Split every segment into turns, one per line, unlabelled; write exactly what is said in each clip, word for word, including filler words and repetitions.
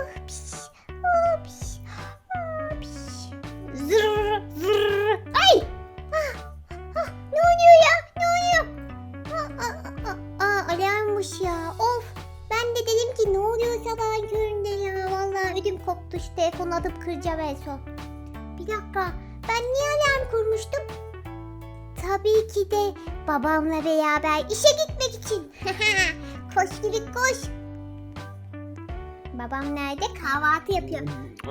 Hops, hops, hops. Zırr, zırr. Ay! Ah, ah, ne oluyor ya? Ne oluyor? Aa, aa, aa, aa, alarmmış ya. Of. Ben de dedim ki ne oluyor sabahın köründe ya. Vallahi ödüm koptu. Şu telefonu atıp kıracağım en son. Bir dakika. Ben niye alarm kurmuştum? Tabii ki de babamla beraber işe gitmek için. Koş gibi koş. Babam nerede? Kahvaltı yapıyor.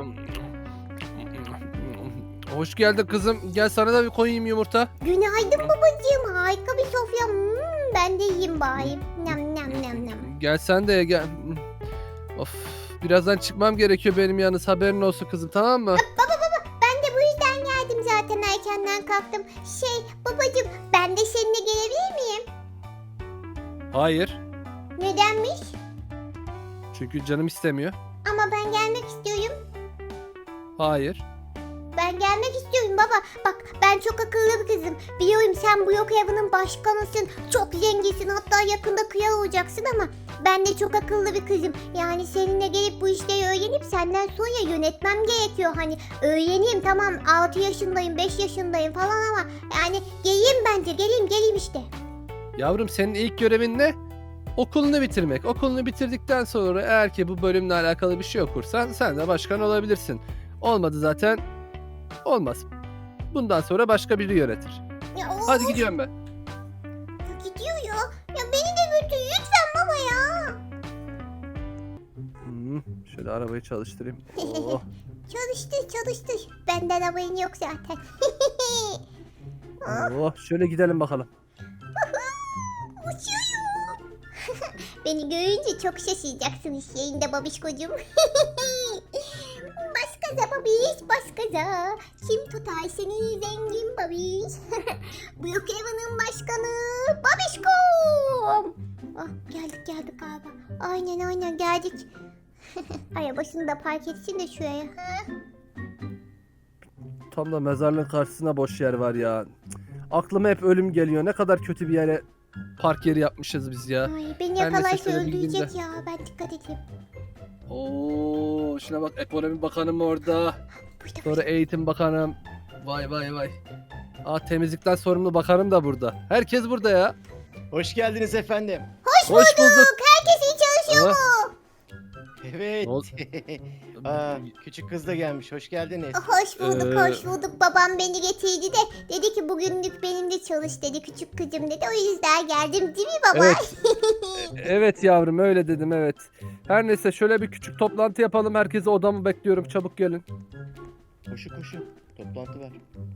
Hoş geldin kızım. Gel sana da bir koyayım yumurta.
Günaydın babacığım. Harika bir sofya. Hmm, ben de yiyeyim bari. Nem nem nem nem.
Gel sen de ye, gel. Of. Birazdan çıkmam gerekiyor benim yalnız, haberin olsun kızım, tamam mı?
Baba baba ben de bu yüzden geldim zaten, erkenden kalktım. Şey babacığım, ben de seninle gelebilir miyim?
Hayır.
Nedenmiş?
Çünkü canım istemiyor.
Ama ben gelmek istiyorum.
Hayır.
Ben gelmek istiyorum baba. Bak ben çok akıllı bir kızım. Biliyorum sen bu yok evinin başkanısın. Çok zenginsin, hatta yakında kral olacaksın ama ben de çok akıllı bir kızım. Yani seninle gelip bu işleri öğrenip senden sonra yönetmem gerekiyor. Hani öğreneyim, tamam altı yaşındayım beş yaşındayım falan ama yani geleyim, bence geleyim geleyim işte.
Yavrum, senin ilk görevin ne? Okulunu bitirmek. Okulunu bitirdikten sonra eğer ki bu bölümle alakalı bir şey okursan sen de başkan olabilirsin. Olmadı zaten. Olmaz. Bundan sonra başka biri yönetir.
Ya,
Hadi
of,
gidiyorum ben.
gidiyor ya. Ya beni de götür lütfen baba ya.
Hmm, şöyle arabayı çalıştırayım. Oh.
Çalıştır çalıştır. Benden haberin yok zaten.
Oh, şöyle gidelim bakalım.
Uçuyorum. Beni görünce çok şaşıracaksın iş yerinde babişkocuğum. Baskaza babiş, baskaza. Kim tutar seni zengin babiş? Bu yok evinin başkanı babişkom. Ah, geldik geldik galiba. Aynen aynen geldik. Arabasını da park etsin de şuraya.
Tam da mezarlığın karşısına boş yer var ya. Cık, aklıma hep ölüm geliyor. Ne kadar kötü bir yere park yeri yapmışız biz ya.
Ay, beni
Her neyse,
yakalarsa
şöyle
öldürecek
bildiğimde.
ya. Ben dikkat edeyim.
Oo, şuna bak, ekonomi bakanım orada.
Burada,
Sonra eğitim bakanım. Vay vay vay. Aa, temizlikten sorumlu bakanım da burada. Herkes burada ya.
Hoş geldiniz efendim.
Hoş,
Hoş bulduk.
Herkes iyi çalışıyor
Aa,
mu?
Evet.
Ne oldu?
Aa, küçük kız da gelmiş. Hoş geldiniz.
Hoş bulduk,
Ee,
hoş bulduk. Babam beni getirdi de dedi ki bugünlük benimle çalış dedi. Küçük kızım dedi. O yüzden geldim değil mi baba?
Evet. Evet yavrum, öyle dedim, evet. Her neyse, şöyle bir küçük toplantı yapalım. Herkese odamı bekliyorum. Çabuk gelin.
Koşu koşu. Toplantı var.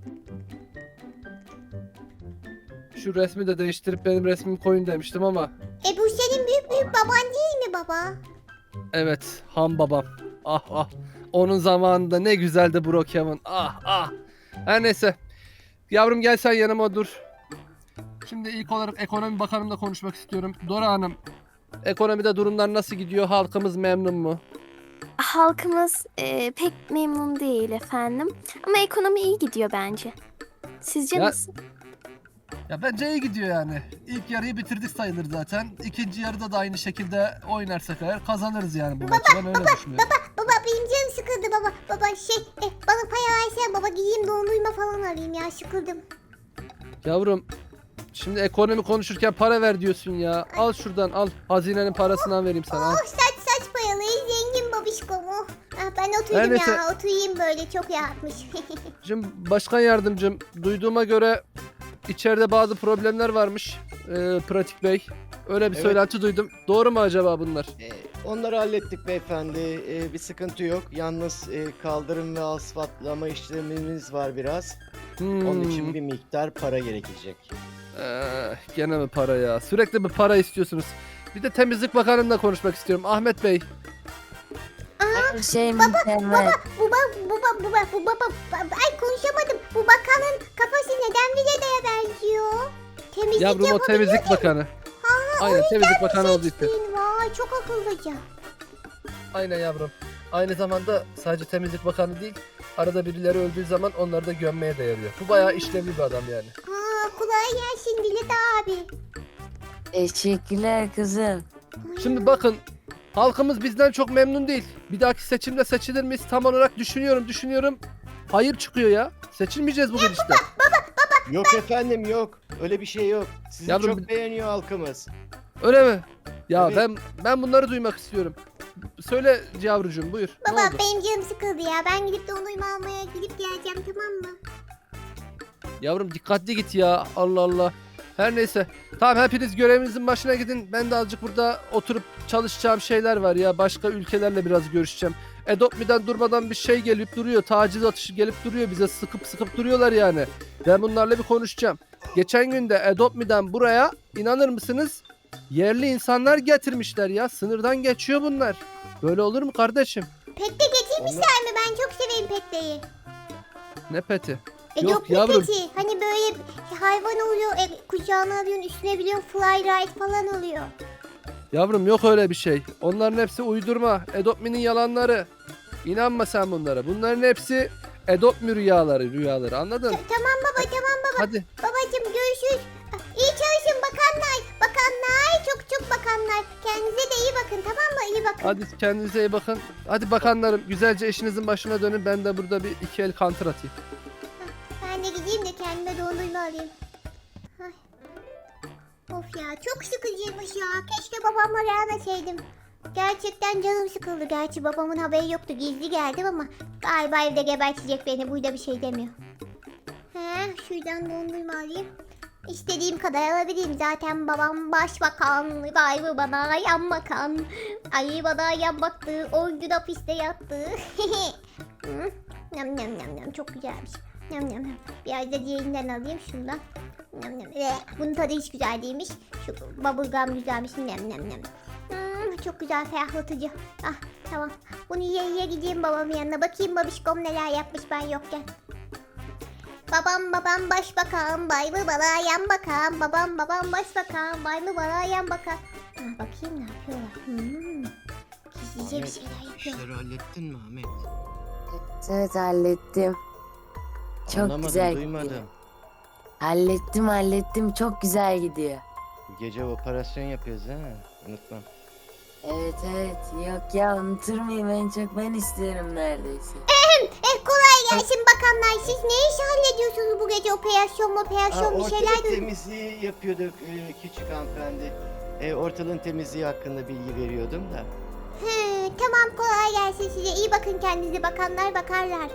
Şu resmi de değiştirip benim resmimi koyun demiştim ama.
E bu senin büyük büyük baban değil mi baba?
Evet, ham babam. Ah ah. Onun zamanında ne güzeldi Brookhaven. Ah ah. Her neyse. Yavrum, gel sen yanıma dur. Şimdi ilk olarak ekonomi bakanımla konuşmak istiyorum. Dora Hanım, ekonomide durumlar nasıl gidiyor? Halkımız memnun mu?
Halkımız e, pek memnun değil efendim. Ama ekonomi iyi gidiyor bence. Sizce
Ya-
nasıl?
Ya bence iyi gidiyor yani. İlk yarıyı bitirdik sayılır zaten. İkinci yarıda da aynı şekilde oynarsak eğer kazanırız yani bu maçı. Ben öyle düşünüyorum.
Baba benim canım sıkıldı baba. Baba şey e, bana para versen baba, gideyim dondurma falan alayım ya, sıkıldım.
Yavrum, şimdi ekonomi konuşurken para ver diyorsun ya. Al şuradan, al. Hazinenin parasından vereyim sana. Al.
Oh saç saç paralı zengin babişkom oh. Ah, ben
Her
oturayım
neyse.
ya, oturayım böyle, çok rahatmış.
Şimdi başkan yardımcım, duyduğuma göre içeride bazı problemler varmış. Ee, Pratik Bey. Öyle bir
Evet.
söylenti duydum. Doğru mu acaba bunlar?
Ee, onları hallettik beyefendi. Ee, bir sıkıntı yok. Yalnız e, kaldırım ve asfaltlama işlemimiz var biraz.
Hmm.
Onun için bir miktar para gerekecek.
Ee, gene mi para ya? Sürekli bir para istiyorsunuz. Bir de temizlik bakanımla konuşmak istiyorum. Ahmet Bey.
Her şey mükemmel.
Bu bak bu bak bu bak bu bak ay konuşamadım. Bu bakanın kafası neden Vileda'ya benziyor? Temizlik
Yavrum, o
yapabiliyor
temizlik
ki.
bakanı. Aynen, temizlik bakanı olduğu için.
Seçtin, vay çok akıllıca.
Aynen yavrum. Aynı zamanda sadece temizlik bakanı değil, arada birileri öldüğü zaman onları da gömmeye de yarıyor. Bu bayağı işlevli bir adam yani.
Aa, kolay gelsin Vileda abi.
Teşekkürler kızım.
Ay,
Şimdi bakın, Halkımız bizden çok memnun değil. Bir dahaki seçimde seçilir miyiz? Tam olarak düşünüyorum, düşünüyorum. Hayır çıkıyor ya. Seçilmeyeceğiz bu gidişte.
Yok efendim yok. Öyle bir şey yok. Sizi
Yavrum,
çok beğeniyor halkımız.
Öyle mi? Ya
Evet.
ben ben bunları duymak istiyorum. Söyle yavrucuğum, buyur. Ne
Baba
oldu?
benim canım sıkıldı ya. Ben gidip dondurma almaya gidip geleceğim, tamam mı?
Yavrum dikkatli git ya. Allah Allah. Her neyse. Tamam, hepiniz görevinizin başına gidin. Ben de azıcık burada oturup çalışacağım şeyler var ya. Başka ülkelerle biraz görüşeceğim. Adopt.me'den durmadan bir şey gelip duruyor. Taciz atışı gelip duruyor. Bize sıkıp sıkıp duruyorlar yani. Ben bunlarla bir konuşacağım. Geçen gün de Adopt.me'den buraya, inanır mısınız, yerli insanlar getirmişler ya. Sınırdan geçiyor bunlar. Böyle olur mu kardeşim?
Pet de getirmişler mi? Ben çok severim petleri.
Ne peti?
E,
Yok
yok mu
yavrum.
peti? Hani böyle hayvan oluyor, e, kucağına alıyorsun, üstüne biliyorsun, fly ride falan oluyor.
Yavrum yok öyle bir şey. Onların hepsi uydurma. Adopt.me'nin yalanları. İnanma sen bunlara. Bunların hepsi Adopt.me rüyaları, rüyaları. Anladın?
Ta- tamam baba, tamam baba.
Hadi.
Babacım görüşürüz. Ah, İyi çalışın bakanlar. Bakanlar, çok çok bakanlar. Kendinize de iyi bakın, tamam mı? İyi bakın.
Hadi kendinize iyi bakın. Hadi bakanlarım, güzelce işinizin başına dönün. Ben de burada bir iki el counter atayım.
Ben de gideyim de kendime dondurma alayım. Ay. Of ya, çok sıkıcıymış ya. Keşke babamla gelmeseydim. Gerçekten canım sıkıldı. Gerçi babamın haberi yoktu. Gizli geldim ama galiba evde gebertecek beni. Burada bir şey demiyor. He, şuradan dondurma alayım. İstediğim kadar alabilirim. Zaten babam başbakan. Vay bana yan bakan. Ay bana yan baktı. on gün hapiste yattı. Hı, Nam nam nam nam, çok güzelmiş. Nam nam nam. Biraz da diğerinden alayım şundan. Nam nam. Eh, bunun tadı hiç güzel değilmiş. Şu bubblegum güzelmiş. Nam nam nam. Hmm, çok güzel, ferahlatıcı. Ah tamam. Bunu yiye yiye gideyim babamın yanına. Bakayım babişkom neler yapmış ben yokken. Babam babam başbakan, bay mı bana yan bakan. Babam babam başbakan, bay mı bana yan bakan. Ha, bakayım ne yapıyorlar. Hmm. Gizlice bir
Ahmet,
şeyler yapıyor.
İşleri hallettin mi Ahmet?
Evet hallettim. Çok
Anlamadım,
güzel
duymadım.
gidiyor. Hallettim hallettim çok güzel gidiyor.
Bu gece operasyon yapıyoruz değil mi? Unutmam.
Evet evet yok ya unutur muyum en çok ben istiyorum neredeyse.
Eh kolay gelsin bakanlar. Siz ne iş hallediyorsunuz bu gece? Operasyon
Aa,
operasyon bir şeyler
ortalık
duydum.
temizliği yapıyorduk e, küçük hanımefendi. E, ortalığın temizliği hakkında bilgi veriyordum da.
He, tamam kolay gelsin size. İyi bakın kendinize, bakanlar bakarlar.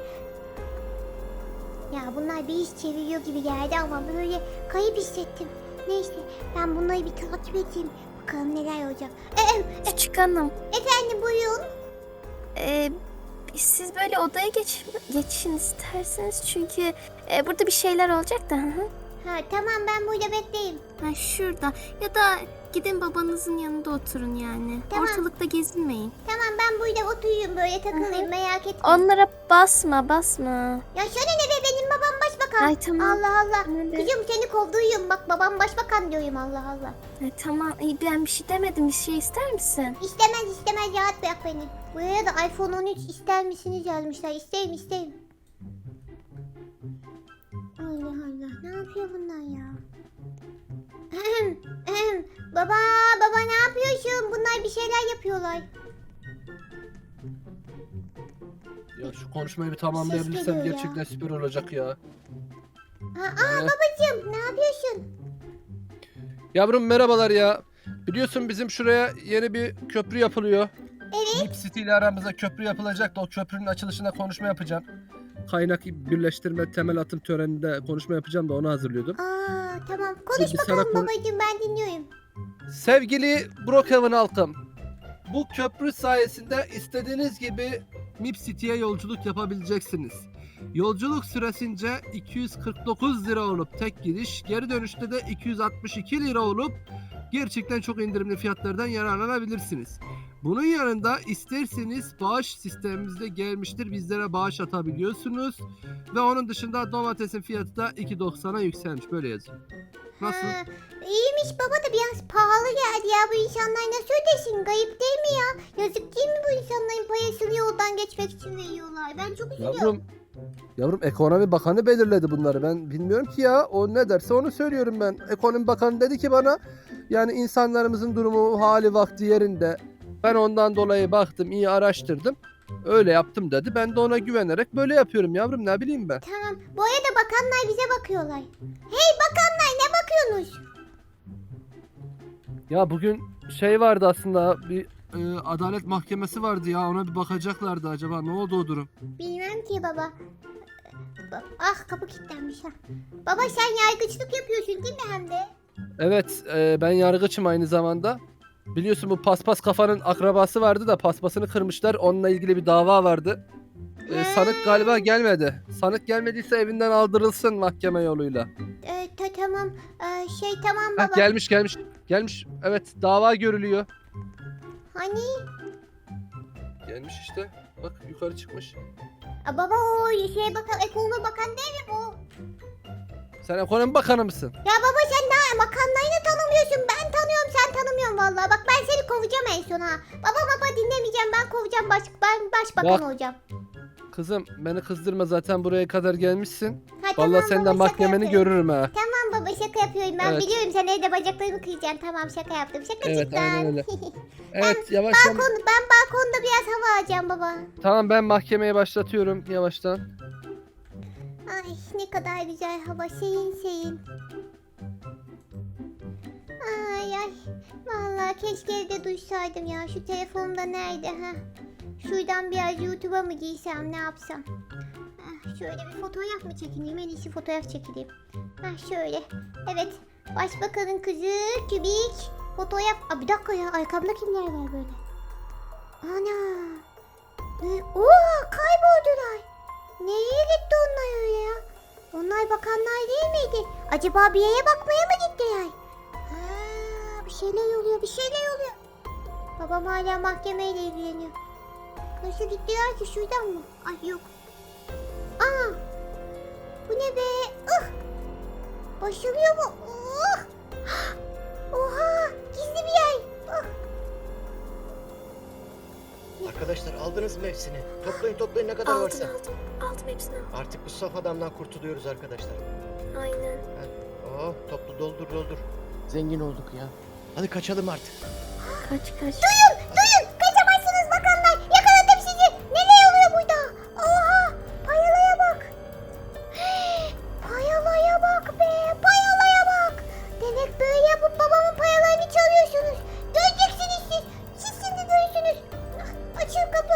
Ya bunlar bir iş çeviriyor gibi geldi ama böyle kayıp hissettim. Neyse ben bunları bir takip edeyim. Bakalım neler olacak. Ee,
Küçük hanım,
efendim buyurun.
e, siz böyle odaya geç, geçin isterseniz çünkü e, burada bir şeyler olacak da. Hı hı.
Ha tamam, ben burada bekleyeyim.
Ha, şurada ya da gidin babanızın yanında oturun yani.
Tamam.
Ortalıkta gezinmeyin.
Tamam ben burada oturayım böyle takılayım,
Hı hı.
merak etme.
Onlara basma basma.
Ya şöyle ne be, benim babam başbakan.
Ay tamam.
Allah Allah.
Öyle.
Kızım seni kovduyum, bak babam başbakan diyorum, Allah Allah.
Ay, tamam iyi, ben bir şey demedim, bir şey ister misin?
İstemez istemez, rahat bırak beni. Buraya da iPhone on üç ister misiniz yazmışlar. İsteyim isteyim. Allah Allah, ne yapıyor bunlar ya? Ahem, ahem. Baba baba ne yapıyorsun? Bunlar bir şeyler yapıyorlar.
Ya şu konuşmayı bir tamamlayabilirsem
geliyor ya.
gerçekten süper olacak ya.
Ha, aa
Ee?
babacığım ne yapıyorsun?
Yavrum merhabalar ya. Biliyorsun bizim şuraya yeni bir köprü yapılıyor.
Evet.
Nip City ile aramıza köprü yapılacak da o köprünün açılışında konuşma yapacağım. Kaynak birleştirme temel atım töreninde konuşma yapacağım da onu hazırlıyordum.
Aa tamam, konuş
Bir
bakalım
sana konu-
babacığım, ben dinliyorum.
Sevgili Brookhaven halkım, bu köprü sayesinde istediğiniz gibi Nip City'ye yolculuk yapabileceksiniz. Yolculuk süresince iki yüz kırk dokuz lira olup tek gidiş, geri dönüşte de iki yüz altmış iki lira olup gerçekten çok indirimli fiyatlardan yararlanabilirsiniz. Bunun yanında isterseniz bağış sistemimizde gelmiştir, bizlere bağış atabiliyorsunuz. Ve onun dışında domatesin fiyatı da iki doksana yükselmiş, böyle yazıyor. Nasıl?
Ha, iyiymiş baba da biraz pahalı geldi ya, bu insanlar nasıl ödesin, gayip değil mi ya? Yazık değil mi bu insanların parasını yoldan geçmek için veriyorlar, ben çok üzülüyorum.
Yavrum, yavrum ekonomi bakanı belirledi bunları. Ben bilmiyorum ki ya. O ne derse onu söylüyorum ben. Ekonomi bakanı dedi ki bana, yani insanlarımızın durumu, hali, vakti yerinde. Ben ondan dolayı baktım, iyi araştırdım. Öyle yaptım dedi. Ben de ona güvenerek böyle yapıyorum yavrum, ne bileyim ben.
Tamam. Bu arada bakanlar bize bakıyorlar. Hey bakanlar ne bakıyorsunuz?
Ya bugün şey vardı aslında, bir e, adalet mahkemesi vardı ya, ona bir bakacaklardı, acaba ne oldu o durum?
Bilmem ki baba. Ba- Ah kapı kilitlenmiş ha. Baba sen yargıçlık yapıyorsun değil mi hem de?
Evet, e, ben yargıçım aynı zamanda. Biliyorsun bu paspas kafanın akrabası vardı da paspasını kırmışlar, onunla ilgili bir dava vardı. E, sanık galiba gelmedi. Sanık gelmediyse evinden aldırılsın mahkeme yoluyla.
Ee, ta- tamam. Ee, şey tamam
Heh,
baba.
gelmiş gelmiş gelmiş, evet dava görülüyor.
Hani?
Gelmiş işte, bak yukarı çıkmış.
Aa, baba o şeye bakan, ekonomi bakan değil mi bu?
Sen ekonomi bakanı mısın?
Ya baba sen ne makarnayı tanımıyorsun. Ben tanıyorum sen tanımıyorsun vallahi. Bak ben seni kovacağım en son ha. Baba baba dinlemeyeceğim ben kovacağım baş, ben başbakan
Bak.
olacağım.
Kızım beni kızdırma, zaten buraya kadar gelmişsin.
Ha,
Vallahi
tamam
senden
baba, şaka
mahkemeni
yapıyorum.
görürüm ha.
Tamam baba şaka yapıyorum ben
Evet.
biliyorum sen evde bacaklarını kıracaksın. Tamam şaka yaptım
Evet,
şakacıktan.
aynen öyle. Evet, yavaştan.
Balkon, ben balkonda biraz hava alacağım baba.
Tamam, ben mahkemeye başlatıyorum yavaştan.
Ay ne kadar güzel hava serin serin. Ay ay. Vallahi keşke evde duysaydım ya. Şu telefonumda nerede ha? Şuradan biraz YouTube'a mı girsem ne yapsam? Ah, şöyle bir fotoğraf mı çekileyim? En iyisi fotoğraf çekileyim. Ah şöyle. Evet. Başbakanın kızı Kübik. Fotoğraf. Aa, bir dakika ya. Arkamda kimler var böyle? Ana. Ne? Oo kayboldular. Nereye gitti onlar öyle ya? Onlar bakanlar değil miydi? Acaba bir yere bakmaya mı gittiler? Ha, bir şeyler oluyor, bir şeyler oluyor. Babam hala mahkemeyle ilgileniyor. Nasıl gittiler ki şuradan mı? Ay yok. Aa, bu ne be? Ah, başarıyor mu? Oh. Oha, gizli bir yer. Ah.
Arkadaşlar aldınız mı hepsini? Toplayın toplayın ne kadar varsa.
Aldım aldım. Aldım hepsini.
Artık bu saf adamdan kurtuluyoruz arkadaşlar.
Aynen.
Oh toplu doldur doldur. Zengin olduk ya. Hadi kaçalım artık.
Kaç kaç.
Duyun, duyun. Kaçamazsınız bakanlar. Yakaladım sizi. Neler oluyor burada? Oha, payalaya bak. Payalaya bak be, payalaya bak. Demek böyle yapıp babamın payalarını çalıyorsunuz. Göreceksiniz siz. Siz şimdi görürsünüz. Ah, açın kapı.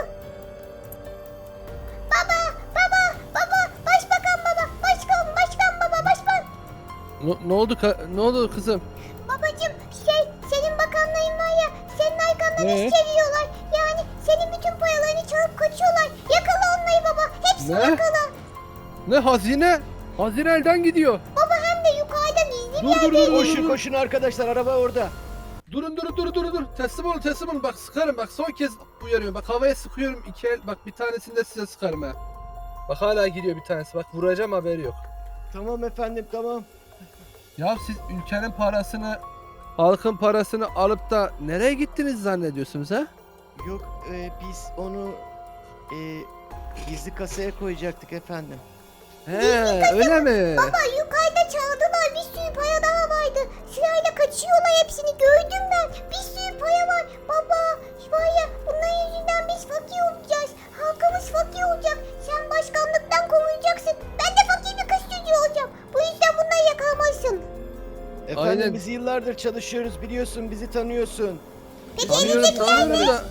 Baba, baba, baba, başbakan baba, başkan, başkan baba, başkan.
Ne, ne oldu ka- ne oldu kızım?
Babacım şey senin bakanların var ya senin arkandan
Ne?
iş çeviriyorlar. Yani senin bütün paralarını çalıp kaçıyorlar. Yakala onları baba. Hepsini
Ne?
yakala.
Ne hazine? Hazine elden gidiyor.
Baba hem de yukarıdan izli bir
Dur dur dur dur.
Koşun
dur.
koşun arkadaşlar araba orada.
Durun durun durun durun dur. Teslim olun teslim olun. Bak sıkarım, bak son kez uyarıyorum. Bak havaya sıkıyorum iki el. Bak bir tanesini de size sıkarım ha. Bak hala gidiyor bir tanesi. Bak vuracağım, haberi yok.
Tamam efendim tamam.
Ya siz ülkenin parasını, halkın parasını alıp da nereye gittiniz zannediyorsunuz ha?
Yok e, biz onu e, gizli kasaya koyacaktık efendim.
He öyle mi?
Baba yukarıda çaldılar. Bir sürü para daha vardı. Sırayla kaçıyorlar hepsini. Gördüm ben. Bir sürü para var. Baba var ya bunların yüzünden biz fakir olacağız. Halkımız fakir olacak. Sen başkanlıktan kovulacaksın. Ben de fakir bir kız çocuğu olacağım. Bu yüzden bunları yakalamalısın.
Efendim
Aynen.
biz yıllardır çalışıyoruz biliyorsun bizi tanıyorsun.
Tanıyorum tanıyorum da.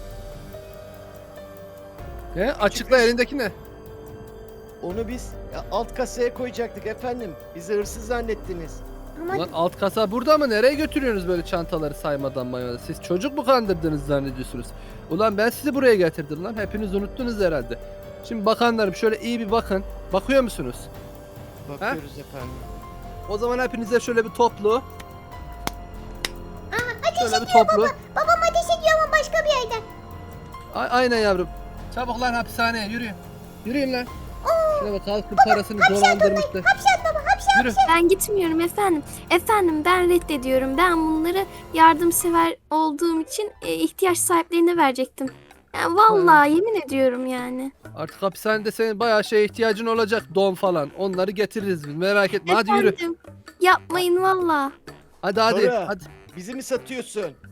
Ne? Açıkla, elindeki ne?
Onu biz ya, alt kasaya koyacaktık efendim. Bizi hırsız zannettiniz.
Ama
Ulan alt kasa burada mı? Nereye götürüyorsunuz böyle çantaları saymadan maymadan? Siz çocuk mu kandırdınız zannediyorsunuz? Ulan ben sizi buraya getirdim lan. Hepiniz unuttunuz herhalde. Şimdi bakanlarım şöyle iyi bir bakın. Bakıyor musunuz?
Bakıyoruz efendim.
O zaman hepinize şöyle bir toplu.
ateş
Şöyle bir
ediyor
toplu.
baba. Babam ateş ediyor ama başka bir yerden.
A- aynen yavrum. Çabuk lan hapishaneye yürüyün. Yürüyün lan. Şuna bak, halkın parasını dolandırmışlar.
Hapşat baba hapşat.
Yürü.
Ben gitmiyorum efendim. Efendim ben reddediyorum. Ben bunları yardımsever olduğum için e, ihtiyaç sahiplerine verecektim. Yani vallahi yemin ediyorum yani.
Artık hapishanede senin bayağı şeye ihtiyacın olacak. Don falan. Onları getiririz biz. Merak etme. Hadi yürü.
Efendim, yapmayın valla.
Hadi hadi.
Dora.
Hadi.
Bizi mi satıyorsun?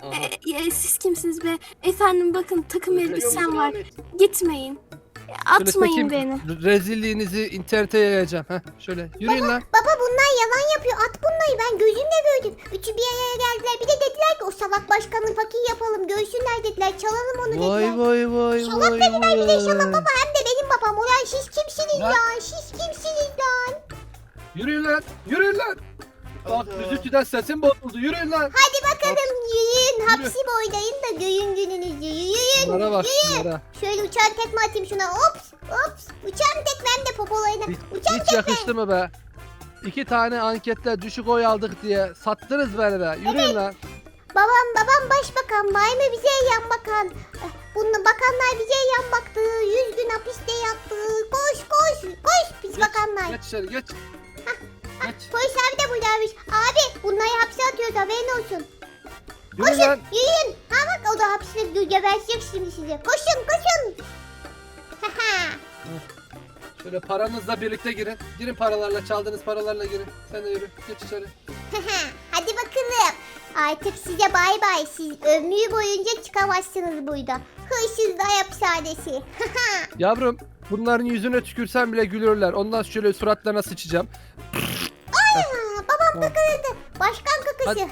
Aha.
E, e, siz kimsiniz be? Efendim bakın takım
Görüyor
elbisem
musun
var.
Ahmet?
Gitmeyin. E,
Şöyle
Atmayın
çekeyim,
beni.
re- Rezilliğinizi internete yayacağım. Heh, şöyle yürüyün lan.
Baba bunlar yalan yapıyor. At bunları, ben gözümle gördüm. Üçü bir araya geldiler. Bir de dediler ki o salak başkanı fakir yapalım. Görsünler dediler. Çalalım onu dediler.
Vay vay vay
Şalap
vay
dediler, bir de şalap
vay.
baba, hem de benim babam. Ulan siz kimsiniz
Lan.
ya? Siz kimsiniz lan?
Yürüyün lan. Yürüyün lan. Bak
Hadi.
üzüntüden sesim bozuldu. Yürüyün lan.
Hadi bakalım yürüyün.
Yürü.
Hapsi boydayın da görün gününüzü. Yürüyün.
Şunlara bak şunlara.
Şöyle uçan tekme atayım şuna. Ops ops. Uçan tekme hem de popolarına.
Hiç,
Uçan
hiç yakıştı mı be? İki tane ankette düşük oy aldık diye sattınız beni be. Yürüyün lan.
Babam babam başbakan. Bay mı bize yan bakan. Bunu bakanlar bize yan baktı. Yüz gün hapiste yattı. Koş koş koş pis
Geç,
bakanlar.
geç içeri geç. Geç.
Polis abi de buradaymış. Abi bunları hapse atıyoruz, haberin olsun.
Yürüyün lan.
Yürüyün. Ha bak o da hapiste gebertecek şimdi sizi. Koşun koşun. Haha.
Şöyle paranızla birlikte girin. Girin paralarla, çaldığınız paralarla girin. Sen de yürü. Geç içeri.
Hadi bakalım. Artık size bay bay. Siz ömrü boyunca çıkamazsınız burada. Hırsızlar hapishanesi.
Yavrum bunların yüzüne tükürsem bile gülürler. Ondan şöyle suratlarına sıçacağım.
Aa, babam
Tamam.
kakaladı. Başkan kakası.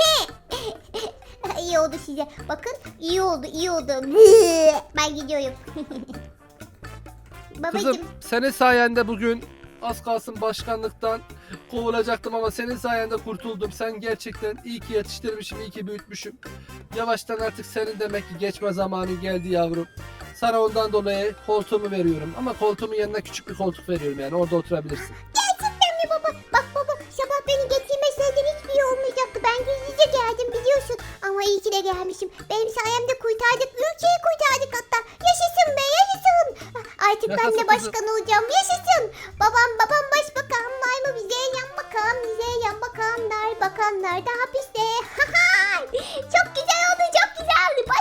İyi oldu size. Bakın iyi oldu iyi oldu. Ben gidiyorum. Babacım.
Kızım senin sayende bugün az kalsın başkanlıktan kovulacaktım ama senin sayende kurtuldum. Sen gerçekten iyi ki yetiştirmişim, iyi ki büyütmüşüm. Yavaştan artık senin demek ki geçme zamanı geldi yavrum. Sana ondan dolayı koltuğumu veriyorum. Ama koltuğumun yanına küçük bir koltuk veriyorum yani orada oturabilirsin.
Gerçekten mi baba? Bak baba sabah beni getirmeseydin hiçbir şey olmayacaktı. Ben gizlice geldim biliyorsun. Ama iyi ki de gelmişim. Benim sayemde kurtardık. Ülkeyi kurtardık hatta. Yaşasın be yaşasın. Artık ben
Yaşasın
de
kızım.
başkan olacağım. Yaşasın. Babam babam başbakan var mı? Bize yan bakan. Bize yan bakanlar. Bakanlar da hapiste. Çok güzel oldu çok güzel oldu.